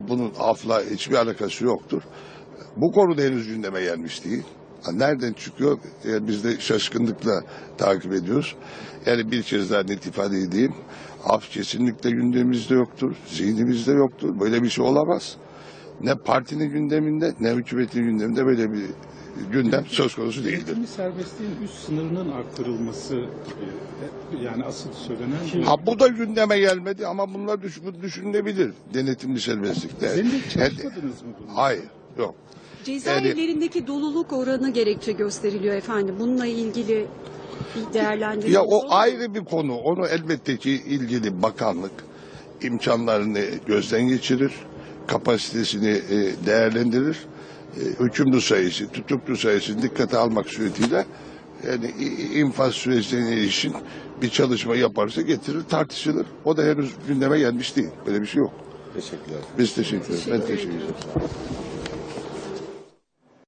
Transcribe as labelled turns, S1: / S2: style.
S1: bunun afla hiçbir alakası yoktur. Bu konuda henüz gündeme gelmiş değil. Nereden çıkıyor? Yani biz de şaşkınlıkla takip ediyoruz. Yani bir kez daha net ifade edeyim. Af kesinlikle gündemimizde yoktur. Zihnimizde yoktur. Böyle bir şey olamaz. Ne partinin gündeminde ne hükümetin gündeminde böyle bir gündem söz konusu değildir.
S2: Eğitimi serbestliğin üst sınırının arttırılması gibi yani asıl söylenen bu.
S1: Ha bu da gündeme gelmedi ama bunlar düşünülebilir. Denetimli serbestlikte.
S2: Senin de çalışmadınız mı bunu?
S1: Hayır, yok.
S3: Cezaevlerindeki doluluk oranı gerekçe gösteriliyor efendim. Bununla ilgili bir değerlendirme.
S1: Ya o ayrı bir konu. Onu elbette ki ilgili bakanlık imkanlarını gözden geçirir. Kapasitesini değerlendirir. Hükümlü sayısı, tutuklu sayısını dikkate almak suretiyle yani infaz sürecine ilişkin bir çalışma yaparsa getirir, tartışılır. O da henüz gündeme gelmiş değil. Böyle bir şey yok.
S4: Teşekkürler.
S1: Biz teşekkür ederiz. Ben teşekkür ederim.